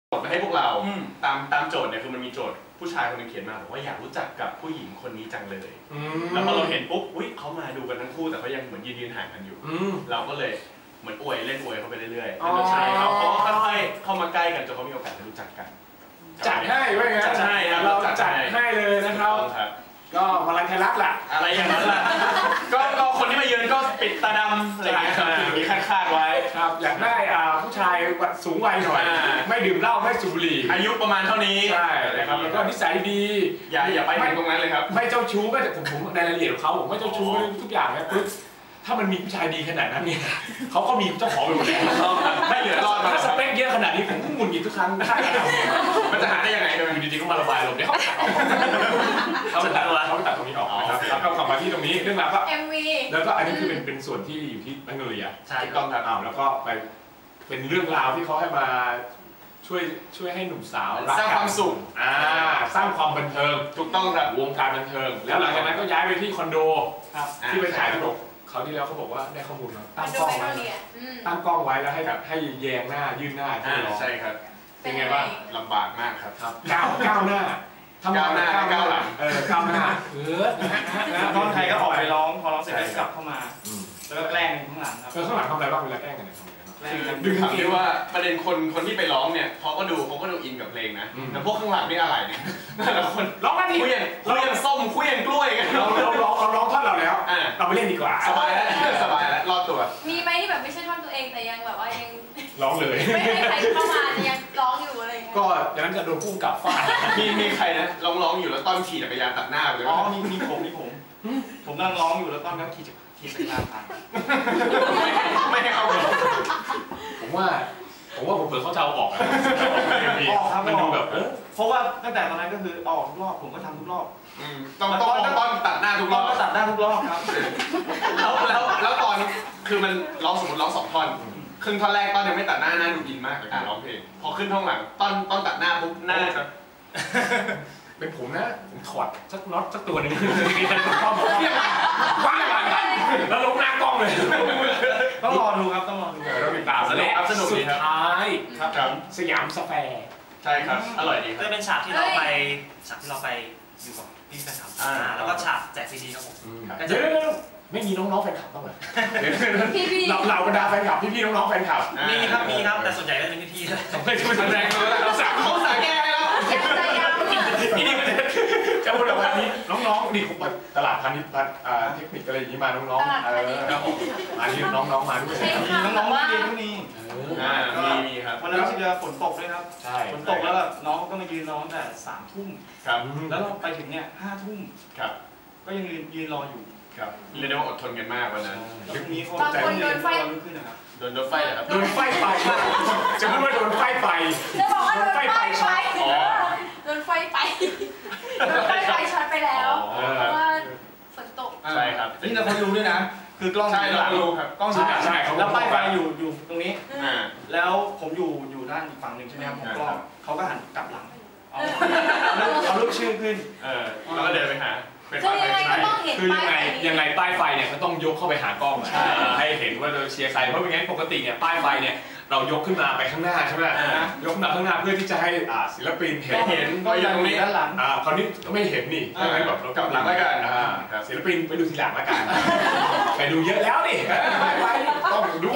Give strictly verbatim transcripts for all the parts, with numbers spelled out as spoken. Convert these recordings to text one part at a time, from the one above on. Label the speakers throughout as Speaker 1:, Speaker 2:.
Speaker 1: โจทย์มาให้พวกเราตามตามโจทย์เนี่ยคือมันมีโจทย์ผู้ชายคนนึงเขียนมาบอกว่าอยากรู้จักกับผู้หญิงคนนี้จังเลยแล้วพอเราเห็นปุ๊บอุ้ยเขามาดูกันทั้งคู่แต่เขายังเหมือนยืนยืนห่างกันอยู่เราก็เลยเหมือนอวยเล่นอวยเขาไปเรื่อยๆแล้วใช่เขาเขาค่อยๆเข้ามาใกล้กันจนเขามีโอกาสได้รู้จักกัน
Speaker 2: จัดให้ไว้ไงจัดให้เราจัดให้เลยนะครับก็มาลัยไทยรัฐแหละ
Speaker 1: อะไรอย่างนั้นแหละก็ก็คนที่มายืนก็ปิดตาดำอะไรอย่างเงี้ยมีคาดคาดไว้
Speaker 2: ครับอยากได้อ่าผู้ชายสูงวัยหน่อยไม่ดื่มเหล้าไม่สูบบุหรี่
Speaker 1: อายุประมาณเท่านี้
Speaker 2: ใช่นะครับแล้วก็นิสัยดี
Speaker 1: อย่าอย่าไปถึงตรงนั้นเลยครับ
Speaker 2: ไม่เจ้าชู้ก็แต่ผมผมในรายละเอียดของเขาผมไม่เจ้าชู้ทุกอย่างนะปึ๊บถ้ามันมีผู้ชายดีขนาดนั้นเนี่ยเขาก็มีเจ้าของไปหมดแล้ว
Speaker 1: ไม่เหลือรอด
Speaker 2: ถ้าสเปคเยอะขนาดนี้ผมก็หงุดหงิดทุกครั้ง
Speaker 1: มันจะหาได้ยังไง
Speaker 2: อยู่ดีๆก็มาระบายลมเนี่ยเขาตัดออกเขาตัดตรงนี้ออกนะครับแล้วก็กลับมาที่ตรงนี้เรื่องราวก็
Speaker 3: เอ็ม วี
Speaker 2: แล้วก็อันนี้คือเป็นเป็นส่วนที่อยู่ที่แมกโนเลีย
Speaker 1: ใช่ต้องครับ
Speaker 2: แล้วก็ไปเป็นเรื่องราวที่เขาให้มาช่วยช่วยให้หนุ่มสาว
Speaker 1: สร้างความสุข
Speaker 2: อ่าสร้างความบันเทิง
Speaker 1: ถูกต้องครับ
Speaker 2: วงการบันเทิงแล้วหลังจากนั้นก็ย้ายไปที่คอนโดที่ไปถ่ายตลกเขาที่แล้วเขาบอกว่าได้ข้อมูลมาตั้งกล้องไว้ตั้งกล้องไว้แล้วให้ให้แยงหน้ายื่นหน้าที่ร้อง
Speaker 1: ใช่ครับ
Speaker 2: เป็นไงบ้าง
Speaker 1: ลำบากมากครับ
Speaker 2: ก้าวก้าวหน้า
Speaker 1: ทำก้าวหน้าก้าวหลัง
Speaker 2: เออก้าวหน้าเออ
Speaker 4: ตอนไทยก็ออกไปร้องพอร้องเสร็จก็กลับเข้ามาแล้วก็แกล้งข้างหลังครับ
Speaker 2: เออข้างหลังทำอะไรบ้างเวลาแกล้งกัน
Speaker 1: ดึงถามได้ว่าประเด็นคนคนที่ไปร้องเนี่ยเขาก็ดูเขาก็ดูอินกับเพลงนะแต่พวกข้างหลังนี่อะไรเนี่ยแต่ละคน
Speaker 2: ร้องกันดิ
Speaker 1: คุยอย่างคุยอย่างส้มคุยอย่างกล้วยกัน
Speaker 2: เราเราร้องเราร้องท่อนเราแล้วเราไปเล่นดีกว่า
Speaker 1: สบายแล้วสบายแล้วรอดตัว
Speaker 3: มีไหมที่แบบไม่ใช่ท่อนตัวเองแต่ยังแบบว่ายัง
Speaker 2: ร้องเลย
Speaker 3: ไม่ให้ใครเข้ามายังร้องอยู่อะไรอย่างเงี้ย
Speaker 2: ก็อย่างนั้นจะโดนพุ่งกลับฟาด
Speaker 1: มีมีใครนะร้องร้องอยู่แล้วต้นขี่จักรยานตัดหน้าเลย
Speaker 4: อ๋อมีมีผมมีผมผมกำลังร้องอยู่แล้วต้นก็ขี่ขี่จักรยานผ่าน
Speaker 1: ไม่ให้เข้าเลย
Speaker 2: ผมว่าผมว่าผมเผื่อเขาจะเอาออก
Speaker 4: ออกครับ
Speaker 2: มันดูแบบ
Speaker 4: เพราะว่าตั้งแต่ตอนนั้นก็คือออกทุกรอบผมก็ทำทุกรอบ
Speaker 1: ต้องต้องต้องตัดหน้าทุกรอบ
Speaker 4: ก็ตัดหน้าทุกรอบครับ
Speaker 1: แล้วแล้วแล้วตอนคือมันร้องสมมติร้องสองท่อนครึ่งท่อนแรกต้นยังไม่ตัดหน้าหน้าดูอินมากกับการร้องเพลงพอขึ้นท่อนหลังต้นต้นตัดหน้าปุ๊บหน้าครับ
Speaker 2: เป็นผมนะผมถอดสักน็อตสักตัวหนึ่งมีแต่กล้องว้าวแล้วลงหน้ากล้องเลย
Speaker 4: ต้องรอดูครับต้องรอดู
Speaker 2: เราติดตามและสุดท้าย
Speaker 1: ครับ
Speaker 2: สยามสแควร์
Speaker 1: ใช่ครับอร่อยดี
Speaker 5: ก็เป็นฉากที่เราไปฉากที่เราไปอยู่กับพี่แฟนคลับแล้วก็ฉากแจกซีดีครับผม
Speaker 2: เดี๋ยวไม่มีน้องๆแฟนคลับบ้างเหรอเราเราบรรดาแฟนคลับพี่ๆน้องๆแฟนคลับ
Speaker 5: มีครับมีครับแต่ส่วนใหญ่ก็เป็นพี่ๆ
Speaker 2: ไม่ช่วยแสดงเลยเราสั่ง
Speaker 1: เขาสั่งแก้แล้ว
Speaker 2: พี่นี่จะพูดแบบนี้น้องๆนี่ผมตลาดพาณิชย์เทคนิคอะไรอย่างนี้มาน้องๆเออมาที่น้องๆมาด้วย
Speaker 4: น้องๆเรียนก็มี
Speaker 1: มีมีครับ
Speaker 4: วันนั้นที่เราฝนตกด้วยครับฝนตกแล้วแบบน้องก็มายืนรอตั้งแต่สามทุ่ม
Speaker 1: ครับ
Speaker 4: แล้วเราไปถึงเนี่ยห้าทุ่ม
Speaker 1: ครับ
Speaker 4: ก็ยังยืนยืนรออยู่
Speaker 1: ครับเรียกได้ว่าอดทนกันมากวันนั้น
Speaker 4: ยุคนี้เขาใจ
Speaker 3: เย็นขึ้น
Speaker 4: ขึ้นนะครับ
Speaker 1: โดนโดนไฟเหรอครับ
Speaker 2: โดนไฟไฟจะพูดว่าโดนไฟไฟ
Speaker 3: จะบอกว่าโดนไฟไฟโดนไฟไฟโดนไฟไฟช็อตไปแล้วเพราะว่าฝนตก
Speaker 1: ใช่ครับ
Speaker 4: นี่เราคนรู้ด้วยนะคือกล้อง
Speaker 1: ใช่เรารู้ครับ
Speaker 4: กล้องใช่ใช่แล้วป้ายไฟอยู่อยู่ตรงนี้แล้วผมอยู่อยู่ด้านอีกฝั่งหนึ่งใช่ไหมครับผมกล้องเขาก็หันกลับหลังเอารูปชื่อขึ้น
Speaker 1: เออแล้วก็เดินไปหา
Speaker 3: คือยังไงก็ต้องเห็น
Speaker 2: คือยังไงยังไงป้ายไฟเนี่ยก็ต้องยกเข้าไปหากล้องให้เห็นว่าเราเชียร์ใครเพราะไม่งั้นปกติเนี่ยป้ายไฟเนี่ยเรายกขึ้นมาไปข้างหน้าใช่ไหมยกขึ้นมาข้างหน้าเพื่อที่จะให้ศิลปินเห็น
Speaker 1: เห็นว่าอยู่ตรงนี้
Speaker 4: ด้านหลัง
Speaker 2: อ่าคราวนี้ก็ไม่เห็นนี่ดังนั้นแบบเรา
Speaker 1: กลับหลังแล้วกัน
Speaker 2: ศิลปินไปดูทีหลังแล้วกันไปดูเยอะแล้วนี่ต้องดู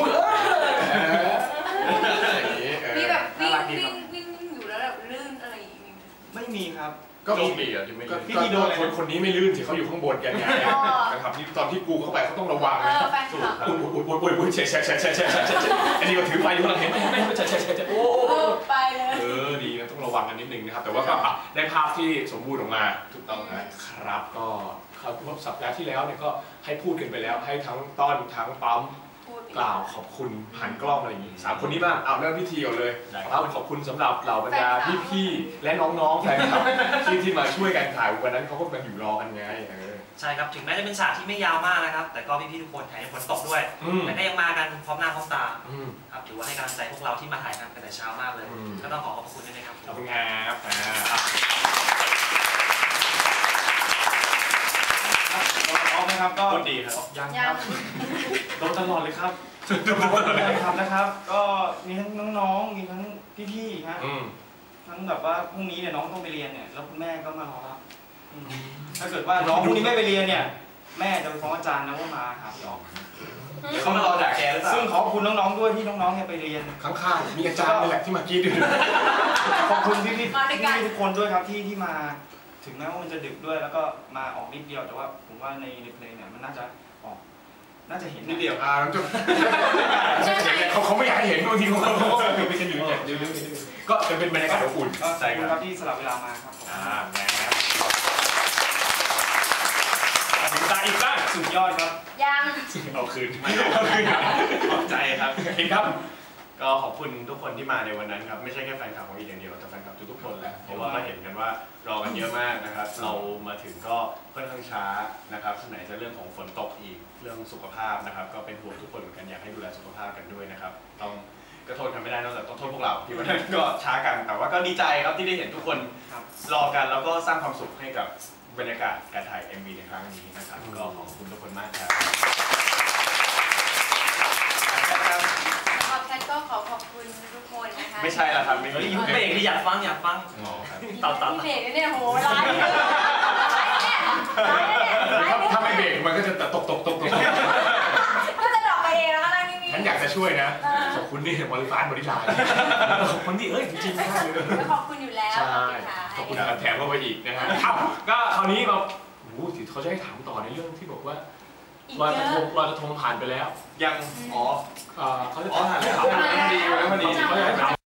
Speaker 3: มีแบบวิ่งวิ่งวิ่งอยู่แล้วแบบลื่นอะไรอย่างงี้
Speaker 4: ไม่มีครับ
Speaker 2: ก็มี
Speaker 1: ปีอ่ะที่ไม่
Speaker 2: พี่ที่โดนคนคนนี้ไม่ลื่นสิเขาอยู่ข้างบนกันไงนะครับที่ตอนที่กูเข้าไปเขาต้องระวังนะอุ้ยอุ้ยอุ้ยอุ้ยอุ้ยเฉยเฉยเฉยเฉยเฉยเฉยอันนี้ก็ถือไฟอยู่ข้างหลังเห็นไหมเห็นไหมเฉยเฉยเฉยเฉยโอ้
Speaker 3: ไปเลย
Speaker 2: เออดีนะต้องระวังกันนิดนึงนะครับแต่ว่าก็ได้ภาพที่สมบูรณ์ออกมา
Speaker 1: ถูกต้อง
Speaker 2: นะครับก็เขาเมื่อสัปดาห์ที่แล้วเนี่ยก็ให้พูดกันไปแล้วให้ทั้งต้อนทั้งปั๊มกล่าวขอบคุณผ่านกล้องอะไรอย่างนี้สามคนนี้บ้างเอาเริ่มพิธีก่อนเลยครับขอบคุณสำหรับเหล่าบรรดาพี่ๆและน้องๆแฟนคลับที่ที่มาช่วยกันถ่ายวันนั้นเขาก็มาอยู่รอกันไง
Speaker 5: ใช่ครับถึงแม้จะเป็นฉากที่ไม่ยาวมากนะครับแต่ก็พี่ๆทุกคนถ่ายฝนตกด้วยแต่ก็ยังมากันพร้อมหน้าพร้อมตาครับถือว่าให้กำลังใจพวกเราที่มาถ่ายกันตั้งแต่เช้ามากเลยก็ต้องขอขอบคุณด้วยนะครับ
Speaker 2: ขอบคุณครับ
Speaker 4: พร้อมไหมครับก็
Speaker 1: ดีครับ
Speaker 4: ยังครับโดนตลอดเลยครับครับนะครับ ก็มีทั้งน้องๆมีทั้งพี่ๆฮะทั้งแบบว่าพรุ่งนี้เนี่ยน้องต้องไปเรียนเนี่ยแล้วคุณแม่ก็มารอรับถ้าเกิดว่าน้องพรุ่งนี้ไม่ไปเรียนเนี่ยแม่จะไปฟ้องอาจารย์นะว่ามาหาพี่ออก
Speaker 1: เขามารอด่าแกหรือเปล่า
Speaker 4: ซึ่งขอบคุณน้องๆด้วยที่น้องๆเนี่ยไปเรียน
Speaker 2: ข้างๆมีอาจารย์นี่แหละที่มากี้ดู
Speaker 4: ขอบคุณพี่พี่พี่ทุกคนด้วยครับที่ที่มาถึงแม้ว่ามันจะดึกด้วยแล้วก็มาออกนิดเดียวแต่ว่าผมว่าในในเพลงเนี่ยมันน่าจะออกน่าจะเห็น
Speaker 1: นิดเดียว
Speaker 2: อ่าจบเขาเขาไม่อยากให้เห็นบางทีเขาเขาเขาไปกันอยู่เนี่ยเดี๋ยวๆก็จะเป็นบรรยากาศอบอุ่น
Speaker 4: ก็ขอบคุณครับที่สลับเวลามาครับ
Speaker 2: อ่าแหมถึงตาอีกบ้าง
Speaker 4: สุดยอดครับ
Speaker 3: ยัง
Speaker 2: เอาคืน
Speaker 1: เอาคืนขอบใจครับ
Speaker 2: เห็นครับ
Speaker 1: ก็ขอบคุณทุกคนที่มาในวันนั้นครับไม่ใช่แค่แฟนคลับของอีกอย่างเดียวแต่แฟนคลับทุกๆคนแหละเพราะว่าเราเห็นกันว่ารอกันเยอะมากนะครับเรามาถึงก็ค่อนข้างช้านะครับไหนจะเรื่องของฝนตกอีกเรื่องสุขภาพนะครับก็เป็นห่วงทุกคนเหมือนกันอยากให้ดูแลสุขภาพกันด้วยนะครับต้องก็โทษกันไม่ได้นอกจากต้องโทษพวกเราที่วันนั้นก็ช้ากันแต่ว่าก็ดีใจครับที่ได้เห็นทุกคนรอกันแล้วก็สร้างความสุขให้กับบรรยากาศการถ่าย เอ็ม วี ในครั้งนี้นะครับก็ขอบคุณทุกคนมากครับ
Speaker 3: ขอบคุณก็ขอขอบคุณทุกคนนะคะ
Speaker 1: ไม่ใช่ละครับไม่ใช่
Speaker 5: ยุคเบรกที่อยากฟังอยากฟัง
Speaker 3: ตัดตัดเบรกเนี่ยโหร้ายเลยร้ายเนี่ยร้ายเนี่ยร้ายเนี่ย
Speaker 2: ถ้าไม่เบรกมันก็จะตกตกตกตก
Speaker 3: ก็จะดอกไปเองแล้วก็นั่งนิ่งๆ
Speaker 2: ฉันอยากจะช่วยนะขอบคุณนี่บริการบริการขอบคุณที่เอ้ยจริงๆได้เลย
Speaker 3: ขอบคุณอยู่แล้ว
Speaker 2: ใช่ขอบคุณแถมเข้าไปอีกนะฮะก็คราวนี้เราโอ้โหเขาจะให้ถามต่อในเรื่องที่บอกว่าลอยกระทงลอยกระทงผ่านไปแล้ว
Speaker 1: ยังอ๋อ
Speaker 2: เขาจะถาม
Speaker 1: แล้วพอดีแล้วพอดี